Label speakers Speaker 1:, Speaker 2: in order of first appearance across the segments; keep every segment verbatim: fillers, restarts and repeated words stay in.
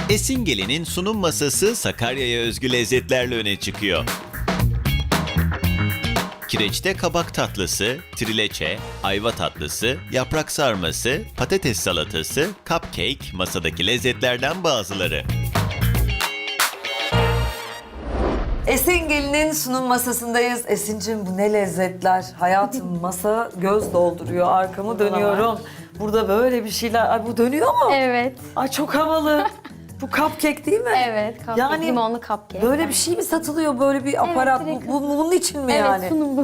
Speaker 1: Esingeli'nin sunum masası Sakarya'ya özgü lezzetlerle öne çıkıyor. Kireçte kabak tatlısı, trileçe, ayva tatlısı, yaprak sarması, patates salatası, cupcake masadaki lezzetlerden bazıları.
Speaker 2: Esengeli'nin sunum masasındayız. Esin'cim bu ne lezzetler. Hayatım masa göz dolduruyor. Arkamı dönüyorum. Burada böyle bir şeyler. Ay bu dönüyor mu?
Speaker 3: Evet.
Speaker 2: Ay çok havalı. Bu cupcake değil mi?
Speaker 3: Evet. Cupcake,
Speaker 2: Yani
Speaker 3: limonlu cupcake.
Speaker 2: Böyle bir şey mi satılıyor? Böyle bir aparat.
Speaker 3: direkt-
Speaker 2: bu, bu- bunun için mi
Speaker 3: Evet,
Speaker 2: yani?
Speaker 3: sunum bu.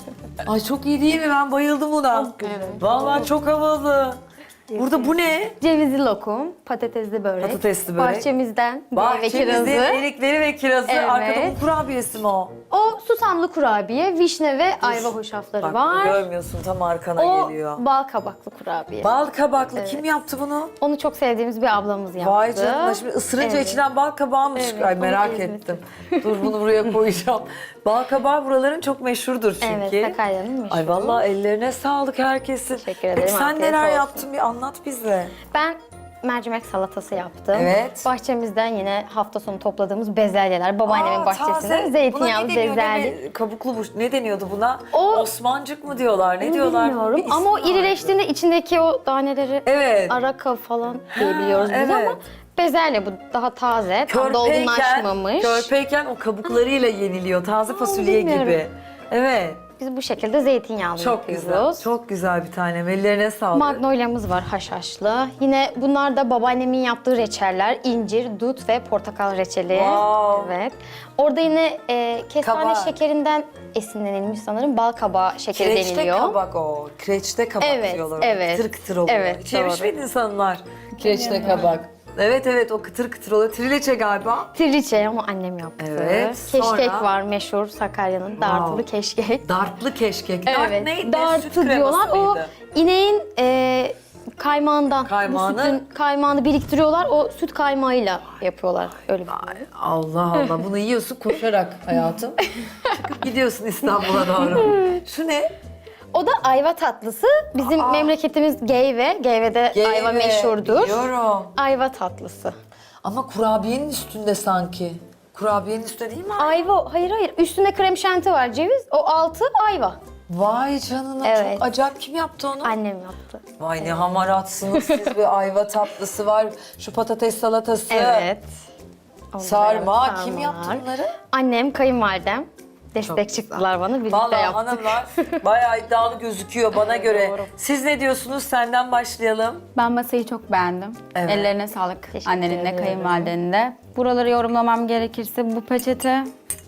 Speaker 2: Ay çok iyi değil mi? Ben bayıldım buna.
Speaker 3: Evet.
Speaker 2: Vallahi çok havalı. Burada bu ne?
Speaker 3: Cevizli lokum, patatesli börek.
Speaker 2: Patatesli börek.
Speaker 3: Bahçemizden meyve
Speaker 2: Bahçemizde
Speaker 3: kirazı.
Speaker 2: erikleri ve kirazı.
Speaker 3: Evet.
Speaker 2: Arkada un kurabiyesi mi o?
Speaker 3: O susamlı kurabiye, vişne ve ayva hoşafları
Speaker 2: Bak
Speaker 3: var.
Speaker 2: görmüyorsun tam arkana
Speaker 3: O
Speaker 2: geliyor.
Speaker 3: bal kabaklı kurabiye.
Speaker 2: Bal kabaklı kim yaptı bunu?
Speaker 3: Onu çok sevdiğimiz bir ablamız yaptı.
Speaker 2: Vay canına şimdi ısırınca
Speaker 3: Evet.
Speaker 2: içinden bal kabağı mı
Speaker 3: Evet,
Speaker 2: çıkıyor? Ay
Speaker 3: onu
Speaker 2: merak
Speaker 3: İzmir'de.
Speaker 2: ettim. Dur bunu buraya koyacağım. Bal kabağı buraların çok meşhurdur çünkü.
Speaker 3: Evet, Sakarya'nın meşhur.
Speaker 2: Ay vallahi ellerine sağlık herkesin.
Speaker 3: Teşekkür ederim,
Speaker 2: Peki sen
Speaker 3: afiyet
Speaker 2: neler
Speaker 3: olsun.
Speaker 2: yaptın bir anlat bize.
Speaker 3: Ben mercimek salatası yaptım.
Speaker 2: Evet.
Speaker 3: Bahçemizden yine hafta sonu topladığımız bezelyeler. Babaannemin
Speaker 2: Aa,
Speaker 3: bahçesinden
Speaker 2: taze.
Speaker 3: zeytinyağlı
Speaker 2: Buna ne deniyor?
Speaker 3: bezelye.
Speaker 2: Ne- kabuklu bu. Ne deniyordu buna?
Speaker 3: O-
Speaker 2: Osmancık mı diyorlar? Ne diyorlar?
Speaker 3: Bilmiyorum
Speaker 2: Bir
Speaker 3: ama o
Speaker 2: ismi vardı.
Speaker 3: irileştiğinde içindeki o taneleri
Speaker 2: Evet.
Speaker 3: araka falan diyebiliyoruz biz
Speaker 2: evet.
Speaker 3: ama bezelye bu daha taze, tam
Speaker 2: Körpeyken,
Speaker 3: dolgunlaşmamış.
Speaker 2: körpeyken o kabuklarıyla yeniliyor. Taze fasulye
Speaker 3: bilmiyorum.
Speaker 2: gibi. Evet.
Speaker 3: Biz bu şekilde zeytinyağlı
Speaker 2: Çok güzel.
Speaker 3: yapıyoruz.
Speaker 2: Çok güzel bir tanem. Ellerine sağlık.
Speaker 3: Magnolia'mız var haşhaşlı. Yine bunlar da babaannemin yaptığı reçeller. İncir, dut ve portakal reçeli.
Speaker 2: Wow.
Speaker 3: Evet. Orada yine e, kestane
Speaker 2: Kabak.
Speaker 3: şekerinden esinlenilmiş sanırım. Bal kabağı şekeri
Speaker 2: Kireçte
Speaker 3: deniliyor.
Speaker 2: kabak o. Kireçte kabak
Speaker 3: Evet,
Speaker 2: diyorlar.
Speaker 3: evet.
Speaker 2: Kıtır kıtır oluyor.
Speaker 3: Evet,
Speaker 2: Hiç yemiş
Speaker 3: doğru.
Speaker 2: miydin insanlar? Kireçte kabak. Evet evet o kıtır kıtır oluyor. Trileçe galiba.
Speaker 3: Trileçe ama annem yaptı.
Speaker 2: Evet,
Speaker 3: Keşkek
Speaker 2: sonra?
Speaker 3: var meşhur Sakarya'nın dartılı keşkek.
Speaker 2: Dartlı keşkek. Dart
Speaker 3: Evet,
Speaker 2: neydi? Süt
Speaker 3: dartı
Speaker 2: kreması
Speaker 3: diyorlar. O
Speaker 2: mıydı?
Speaker 3: ineğin e, kaymağından,
Speaker 2: Kaymağını-
Speaker 3: bu sütün kaymağını biriktiriyorlar. O süt kaymağıyla yapıyorlar. Öyle bir
Speaker 2: Ay, Allah Allah bunu yiyorsun koşarak hayatım. Çıkıp gidiyorsun İstanbul'a doğru. Şu ne?
Speaker 3: O da ayva tatlısı. Bizim memleketimiz Geyve. Geyve'de ayva
Speaker 2: Geyve,
Speaker 3: meşhurdur.
Speaker 2: Biliyorum.
Speaker 3: Ayva tatlısı.
Speaker 2: Ama kurabiyenin üstünde sanki. Kurabiyenin üstünde değil mi?
Speaker 3: Ayva, hayır hayır. Üstünde krem şanti var, ceviz. O altı ayva.
Speaker 2: Vay canına
Speaker 3: Evet.
Speaker 2: çok acayip. Kim yaptı onu?
Speaker 3: Annem yaptı.
Speaker 2: Vay ne hamaratsınız siz, bir ayva tatlısı var. Şu patates salatası.
Speaker 3: Evet.
Speaker 2: Sarma.
Speaker 3: Evet,
Speaker 2: Kim
Speaker 3: sarmalar.
Speaker 2: yaptı bunları?
Speaker 3: Annem, kayınvalidem. Destek
Speaker 2: güzel.
Speaker 3: çıktılar bana. Birlikte
Speaker 2: Vallahi
Speaker 3: yaptık.
Speaker 2: hanımlar bayağı iddialı gözüküyor bana göre.
Speaker 3: doğru.
Speaker 2: Siz ne diyorsunuz? Senden başlayalım.
Speaker 4: Ben masayı çok beğendim.
Speaker 2: Evet.
Speaker 4: Ellerine sağlık
Speaker 3: Teşekkür
Speaker 4: annenin de
Speaker 3: ederim.
Speaker 4: kayınvalidenin de. Buraları yorumlamam gerekirse bu peçete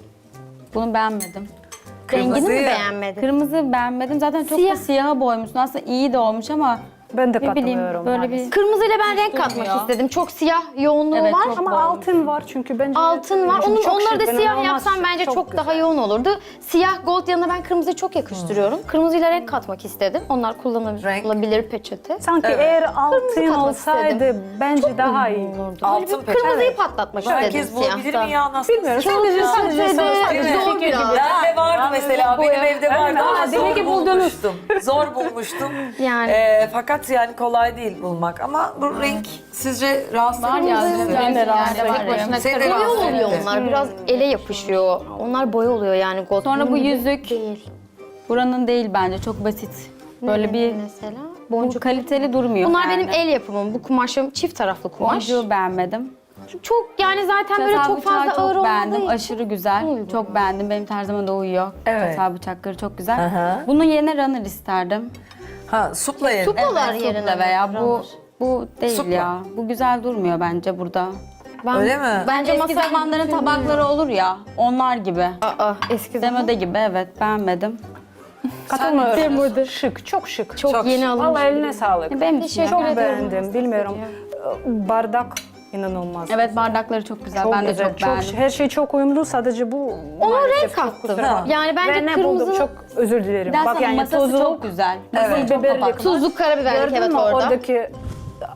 Speaker 4: bunu beğenmedim.
Speaker 3: Rengini mi
Speaker 2: Kırmızıyı-
Speaker 3: beğenmedin?
Speaker 4: Kırmızı beğenmedim. Zaten çok
Speaker 3: Siyah.
Speaker 4: da siyaha boymuşsun. Aslında iyi de olmuş ama
Speaker 5: Ben de
Speaker 4: ne bileyim
Speaker 5: katılıyorum.
Speaker 4: böyle
Speaker 5: maalesef.
Speaker 4: bir
Speaker 3: Kırmızıyla ben renk
Speaker 4: durmuyor.
Speaker 3: katmak istedim. Çok siyah yoğunluğu
Speaker 4: Evet,
Speaker 3: var.
Speaker 4: çok
Speaker 5: Ama
Speaker 4: boğulmuş.
Speaker 5: altın var çünkü bence.
Speaker 3: Altın var.
Speaker 5: Çünkü
Speaker 3: Onun,
Speaker 5: çok
Speaker 3: onları
Speaker 5: şık,
Speaker 3: da
Speaker 5: ben
Speaker 3: siyah
Speaker 5: inanılmaz
Speaker 3: yapsam
Speaker 5: şık,
Speaker 3: bence çok,
Speaker 5: güzel.
Speaker 3: daha yoğun olurdu. Siyah gold yanına ben kırmızıyı çok yakıştırıyorum. Kırmızıyla renk katmak istedim. Onlar kullanılabilir peçete.
Speaker 5: Sanki
Speaker 2: Evet.
Speaker 5: eğer altın
Speaker 3: katmak
Speaker 5: olsaydı
Speaker 3: istedim.
Speaker 5: bence daha iyi.
Speaker 3: olurdu.
Speaker 2: Altın
Speaker 3: Böyle bir
Speaker 2: peçete.
Speaker 3: kırmızıyı
Speaker 2: Evet.
Speaker 3: patlatmak istedim
Speaker 2: Herkes bulabilir
Speaker 3: siyahta.
Speaker 2: mi ya? Nasıl?
Speaker 5: Bilmiyorum.
Speaker 3: Çok
Speaker 5: Sadece
Speaker 3: güzel.
Speaker 5: sadece
Speaker 3: Peçete
Speaker 5: söz-
Speaker 3: zor
Speaker 5: Fikir
Speaker 3: biraz.
Speaker 5: gibi.
Speaker 2: Ben de vardı mesela benim evde vardı ama
Speaker 5: Ha, demek
Speaker 2: zor
Speaker 5: ki buldunuz.
Speaker 2: bulmuştum. Zor bulmuştum.
Speaker 3: Yani.
Speaker 2: Ee, fakat yani kolay değil bulmak ama bu renk sizce rahatsız
Speaker 4: var ya.
Speaker 2: edici mi?
Speaker 5: Ben de rahatsız
Speaker 4: yerde var
Speaker 5: ederim.
Speaker 4: başına
Speaker 2: Seni de
Speaker 4: kırmızı.
Speaker 3: Boya
Speaker 2: rahatsız
Speaker 3: oluyor
Speaker 2: etti.
Speaker 3: onlar. Biraz ele yapışıyor. Onlar boya oluyor yani gold.
Speaker 4: Sonra bu
Speaker 3: Bunun gibi
Speaker 4: yüzük.
Speaker 3: değil.
Speaker 4: buranın değil bence. Çok basit. Böyle bir
Speaker 3: mesela
Speaker 4: bu
Speaker 3: boncuk.
Speaker 4: kaliteli durmuyor.
Speaker 3: Bunlar
Speaker 4: yani.
Speaker 3: benim el yapımım. Bu kumaşım çift taraflı kumaş.
Speaker 4: Boncuğu beğenmedim.
Speaker 3: Çok yani zaten böyle
Speaker 4: Çatal
Speaker 3: çok fazla
Speaker 4: bıçağı
Speaker 3: ağır
Speaker 4: çok
Speaker 3: olmadığı
Speaker 4: beğendim.
Speaker 3: için.
Speaker 4: Aşırı güzel.
Speaker 3: Uygun.
Speaker 4: Çok beğendim. Benim tarzıma da uyuyor.
Speaker 2: Evet.
Speaker 4: Çatal bıçakları çok güzel.
Speaker 2: Aha.
Speaker 4: Bunun yerine runner isterdim.
Speaker 2: Ha supla yerim.
Speaker 3: Supla-
Speaker 4: Evet,
Speaker 3: yerine
Speaker 4: supla veya bu
Speaker 3: runner.
Speaker 4: bu değil
Speaker 2: Supla.
Speaker 4: ya. Bu güzel durmuyor bence burada.
Speaker 3: Ben,
Speaker 2: Öyle mi?
Speaker 3: Bence
Speaker 4: Eski
Speaker 3: masa
Speaker 4: zamanların tabakları olur ya. Onlar gibi.
Speaker 3: Aa, eski zaman.
Speaker 4: Demode gibi evet beğenmedim.
Speaker 5: Katılmıyorum. Şık, çok şık.
Speaker 3: Çok,
Speaker 2: Çok
Speaker 3: yeni alınmış.
Speaker 5: Vallahi eline sağlık.
Speaker 4: Benim için
Speaker 3: Teşekkür
Speaker 4: yani.
Speaker 5: Çok
Speaker 3: ederim.
Speaker 5: beğendim. Bilmiyorum. Bardak inanılmaz.
Speaker 4: Evet bardakları çok güzel.
Speaker 5: Çok
Speaker 4: ben de
Speaker 5: güzel.
Speaker 4: çok beğendim.
Speaker 5: Her şey çok uyumlu. Sadece bu
Speaker 3: Ona
Speaker 5: maalesef
Speaker 3: renk
Speaker 5: çok
Speaker 3: kattım.
Speaker 5: kusura bakma.
Speaker 3: Yani bence
Speaker 5: Ve ne
Speaker 3: kırmızı
Speaker 5: buldum? Çok özür dilerim.
Speaker 4: Dersen
Speaker 5: Bak yani
Speaker 4: masası
Speaker 5: tuzluk,
Speaker 4: çok güzel.
Speaker 2: Evet.
Speaker 4: Masası çok
Speaker 5: biberlik.
Speaker 4: kapaklı.
Speaker 3: tuzluk karabiberlik
Speaker 5: Gördün
Speaker 3: evet
Speaker 5: mü
Speaker 3: orada.
Speaker 5: oradaki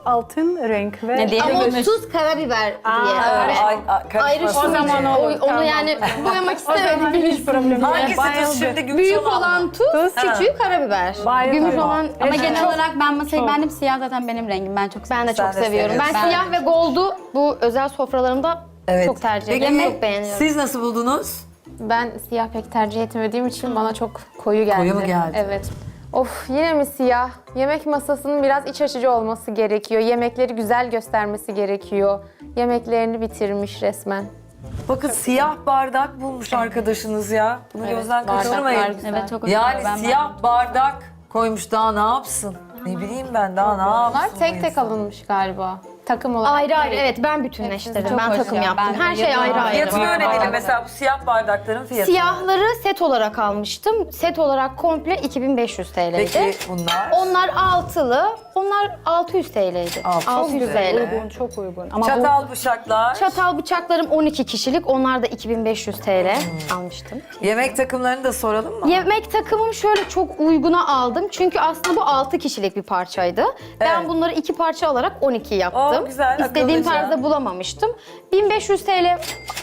Speaker 5: altın renk ve
Speaker 4: Ne diye?
Speaker 3: Ama o
Speaker 4: Yemiş.
Speaker 3: tuz, karabiber diye öyle.
Speaker 2: Ay, ay,
Speaker 3: Ayrı
Speaker 2: karışmasın
Speaker 3: şu
Speaker 5: O zaman
Speaker 2: diye.
Speaker 5: olur,
Speaker 3: onu
Speaker 5: tamam.
Speaker 3: yani boyamak istemedim.
Speaker 5: hiç problem yok.
Speaker 2: Hangisi tuz şimdi? Gümüş
Speaker 3: Büyük
Speaker 2: olan mı?
Speaker 3: olan tuz,
Speaker 5: Tuz.
Speaker 3: küçüğü karabiber.
Speaker 5: Bayıldım.
Speaker 3: Gümüş olan
Speaker 4: Ama
Speaker 5: Evet.
Speaker 4: genel
Speaker 5: Çok-
Speaker 4: olarak ben masayı
Speaker 5: çok.
Speaker 4: beğendim. Siyah zaten benim rengim. Ben çok
Speaker 3: ben de
Speaker 2: Sen
Speaker 3: çok
Speaker 2: de
Speaker 3: seviyorum. Ben
Speaker 2: seviyorsun.
Speaker 3: siyah ve gold'u bu özel sofralarımda
Speaker 2: Evet.
Speaker 3: çok tercih
Speaker 2: Peki,
Speaker 3: ediyorum. Çok beğeniyorum.
Speaker 2: siz nasıl buldunuz?
Speaker 6: Ben siyah pek tercih etmediğim için bana çok koyu geldi.
Speaker 2: Koyu mu geldi?
Speaker 6: Evet. Of yine mi siyah? Yemek masasının biraz iç açıcı olması gerekiyor. Yemekleri güzel göstermesi gerekiyor. Yemeklerini bitirmiş resmen.
Speaker 2: Bakın siyah bardak bulmuş arkadaşınız ya. Bunu gözden
Speaker 6: bardaklar
Speaker 2: kaçırmayın.
Speaker 6: güzel.
Speaker 4: Evet çok hoşuma
Speaker 2: Yani
Speaker 4: gitti. Ben
Speaker 2: siyah bardak koymuş, daha ne yapsın? Ne bileyim ben, daha ne yapsın?
Speaker 6: Bunlar
Speaker 2: bu
Speaker 6: tek tek
Speaker 2: insan?
Speaker 6: alınmış galiba. Takım olarak.
Speaker 3: Ayrı ayrı
Speaker 6: değil.
Speaker 3: evet ben bütünleştirdim.
Speaker 4: Çok
Speaker 3: Ben
Speaker 4: hoş
Speaker 3: takım
Speaker 4: ya,
Speaker 3: yaptım.
Speaker 4: ben de
Speaker 3: Her şey
Speaker 4: yapıyorum.
Speaker 3: ayrı ayrı.
Speaker 2: Fiyatını
Speaker 6: Ayrı.
Speaker 2: öğrenelim
Speaker 6: Ayrı.
Speaker 2: mesela bu siyah bardakların fiyatı.
Speaker 3: Siyahları set olarak almıştım. Set olarak komple iki bin beş yüz TL'ydi.
Speaker 2: Peki bunlar?
Speaker 3: Onlar altılı, onlar altı yüz TL'ydi.
Speaker 2: Altı yüz
Speaker 3: altı yüz
Speaker 2: güzel.
Speaker 3: TL.
Speaker 5: uygun, çok uygun. Ama
Speaker 2: Çatal bıçaklar.
Speaker 3: Çatal bıçaklarım on iki kişilik, onlar da iki bin beş yüz TL
Speaker 2: Hmm.
Speaker 3: almıştım.
Speaker 2: Yemek takımlarını da soralım mı?
Speaker 3: Yemek takımım şöyle çok uyguna aldım. Çünkü aslında bu altı kişilik bir parçaydı. Ben
Speaker 2: Evet.
Speaker 3: bunları iki parça alarak on iki yaptım.
Speaker 2: Oo, güzel,
Speaker 3: İstediğim
Speaker 2: akıllıca.
Speaker 3: tarzda bulamamıştım. bin beş yüz TL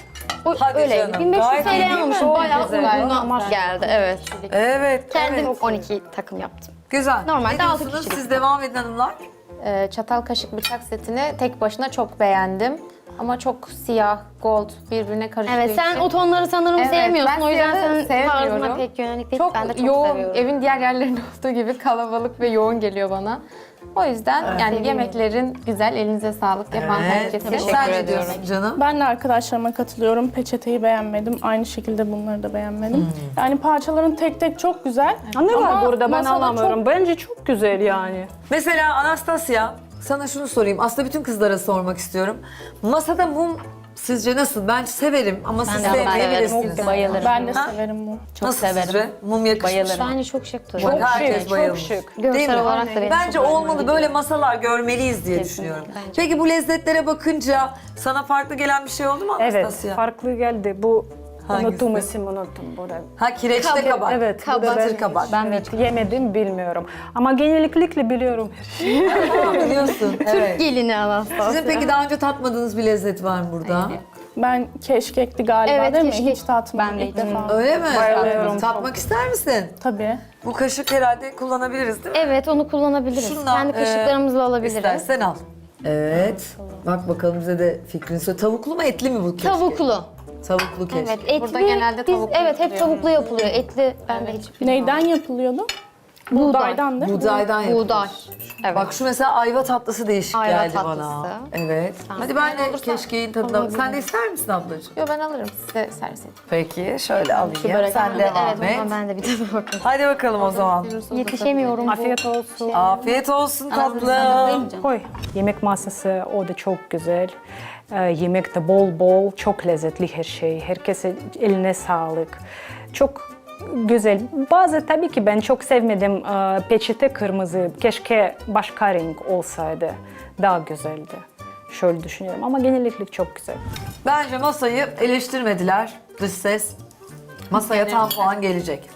Speaker 3: o,
Speaker 2: Hadi
Speaker 3: öyleydi.
Speaker 2: canım,
Speaker 3: bin beş yüz
Speaker 2: gayet iyi değil
Speaker 3: TL
Speaker 2: mi?
Speaker 3: almışım.
Speaker 2: Çok
Speaker 3: Bayağı
Speaker 2: güzel.
Speaker 3: uyguna geldi. Evet.
Speaker 2: Evet,
Speaker 3: Kendim
Speaker 2: evet.
Speaker 3: on iki takım yaptım.
Speaker 2: Güzel.
Speaker 3: Normalde
Speaker 2: ne
Speaker 3: altı
Speaker 2: diyorsunuz?
Speaker 3: kişilik.
Speaker 2: Siz devam edin hanımlar.
Speaker 6: Ee, çatal kaşık bıçak setini tek başına çok beğendim. Ama çok siyah, gold birbirine karıştığı
Speaker 3: Evet sen
Speaker 6: için.
Speaker 3: o tonları sanırım
Speaker 6: Evet,
Speaker 3: sevmiyorsun.
Speaker 6: ben
Speaker 3: O yüzden
Speaker 6: siyahı
Speaker 3: senin tarzına
Speaker 6: sevmiyorum.
Speaker 3: pek yönelik değil.
Speaker 6: Çok,
Speaker 3: Ben de çok
Speaker 6: yoğun,
Speaker 3: seviyorum.
Speaker 6: evin diğer yerlerinde olduğu gibi kalabalık ve yoğun geliyor bana. O yüzden yani yemeklerin güzel, elinize sağlık yapan herkese
Speaker 2: Sen
Speaker 6: teşekkür
Speaker 2: ne
Speaker 6: ediyorum.
Speaker 2: diyorsun canım?
Speaker 7: Ben de arkadaşlarıma katılıyorum. Peçeteyi beğenmedim. Aynı şekilde bunları da beğenmedim. Yani parçaların tek tek çok güzel.
Speaker 5: ne var
Speaker 7: Ama
Speaker 5: burada ben
Speaker 7: masada
Speaker 5: anlamıyorum. Bence çok güzel yani.
Speaker 2: Mesela Anastasia, sana şunu sorayım. Aslında bütün kızlara sormak istiyorum. Masada mum sizce nasıl? Ben severim ama siz
Speaker 3: de
Speaker 2: sevmeyebilirsiniz.
Speaker 4: Çok bayılırım.
Speaker 7: Ben de
Speaker 2: Ha?
Speaker 7: severim bu.
Speaker 4: Çok
Speaker 2: Nasıl
Speaker 4: severim.
Speaker 2: sizce? Mum yakışmış.
Speaker 4: Bayılırım.
Speaker 3: Bence çok şık duruyor.
Speaker 2: Bak, herkes
Speaker 5: şık, çok
Speaker 2: bayılmış.
Speaker 5: şık.
Speaker 2: Değil
Speaker 3: Görsel
Speaker 2: mi?
Speaker 3: olarak da benim
Speaker 2: Bence
Speaker 3: çok hoşuma
Speaker 2: olmalı,
Speaker 3: gidiyor.
Speaker 2: böyle masalar görmeliyiz diye düşünüyorum. Peki bu lezzetlere bakınca sana farklı gelen bir şey oldu mu
Speaker 5: Evet,
Speaker 2: Anastasia?
Speaker 5: farklı geldi. Bu
Speaker 2: Hangisi?
Speaker 5: unuttum isim unuttum burada.
Speaker 2: Ha, kireçte
Speaker 3: Kabak.
Speaker 2: kabak.
Speaker 5: Evet, bu da
Speaker 3: Kabak.
Speaker 2: Çıtır kabak.
Speaker 5: Ben de yemedim bilmiyorum. Ama genellikle biliyorum.
Speaker 2: Ha, biliyorsun. Evet.
Speaker 3: Gelini Anastasia.
Speaker 2: Sizin peki daha önce tatmadığınız bir lezzet var mı burada?
Speaker 7: Ben keşkekti galiba
Speaker 3: Evet,
Speaker 7: değil mi?
Speaker 3: keşkek.
Speaker 7: Hiç tatmadım
Speaker 4: Ben de
Speaker 7: ilk defa.
Speaker 2: Öyle mi?
Speaker 5: Bayılıyorum.
Speaker 2: Tatmak ister misin?
Speaker 7: Tabii.
Speaker 2: Bu kaşık herhalde kullanabiliriz değil mi?
Speaker 3: Evet onu kullanabiliriz.
Speaker 2: Şundan,
Speaker 3: Kendi kaşıklarımızla
Speaker 2: e,
Speaker 3: alabiliriz.
Speaker 2: İstersen al. Evet. Bak bakalım bize de fikrini söyle. Tavuklu mu etli mi bu keşke?
Speaker 3: Tavuklu.
Speaker 2: Tavuklu keşke.
Speaker 3: Evet etli.
Speaker 6: Burada genelde
Speaker 3: biz-
Speaker 6: tavuklu
Speaker 3: Evet hep
Speaker 6: yapılıyor.
Speaker 3: tavuklu yapılıyor. Etli ben de hiç bilmiyorum.
Speaker 7: Neyden yapılıyordu? Buğdaydan değil mi?
Speaker 2: Buğdaydan yapılıyor.
Speaker 3: Buğday. Evet.
Speaker 2: Bak şu mesela ayva tatlısı değişik
Speaker 3: Ayva
Speaker 2: geldi bana.
Speaker 3: tatlısı.
Speaker 2: Evet. Hadi ben de keşkeğin tadına... Sen de ister misin ablacığım?
Speaker 6: Yo ben alırım size servis edeyim.
Speaker 2: Peki şöyle alayım.
Speaker 3: Börek.
Speaker 2: Sen devam
Speaker 3: Evet
Speaker 2: et.
Speaker 3: ondan ben de bir tane bakayım.
Speaker 2: Hadi bakalım o zaman.
Speaker 3: Yetişemiyorum bu.
Speaker 5: Afiyet olsun.
Speaker 2: Afiyet olsun tatlım.
Speaker 5: Koy. Yemek masası o da çok güzel. Ee, yemek de bol bol, çok lezzetli her şey. Herkese eline sağlık. Çok güzel. Bazı tabii ki ben çok sevmedim ee, peçete kırmızı. Keşke başka renk olsaydı. Daha güzeldi. Şöyle düşünüyorum ama genellikle çok güzel.
Speaker 2: Bence masayı eleştirmediler. Dış ses. Masaya tam puan gelecek.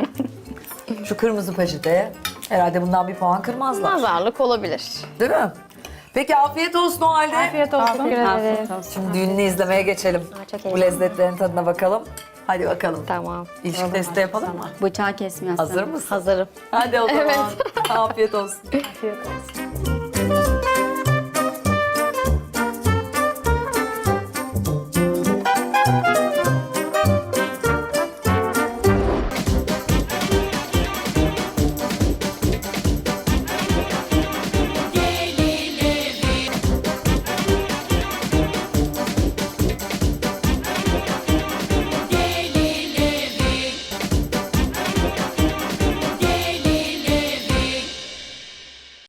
Speaker 2: Şu kırmızı peçeteye herhalde bundan bir puan kırmazlar.
Speaker 3: Nazarlık olabilir.
Speaker 2: Değil mi? Peki afiyet olsun o halde.
Speaker 5: Afiyet olsun.
Speaker 4: Afiyet olsun.
Speaker 2: Şimdi düğününü izlemeye geçelim.
Speaker 3: Aa, çok
Speaker 2: Bu
Speaker 3: heyecanlıyım.
Speaker 2: lezzetlerin tadına bakalım. Hadi bakalım.
Speaker 3: Tamam.
Speaker 2: İlişki testi yapalım mı?
Speaker 4: Bıçağı kesmiyorsun.
Speaker 2: Hazır mısın?
Speaker 3: Hazırım.
Speaker 2: Hadi o zaman. Afiyet olsun.
Speaker 5: Afiyet olsun.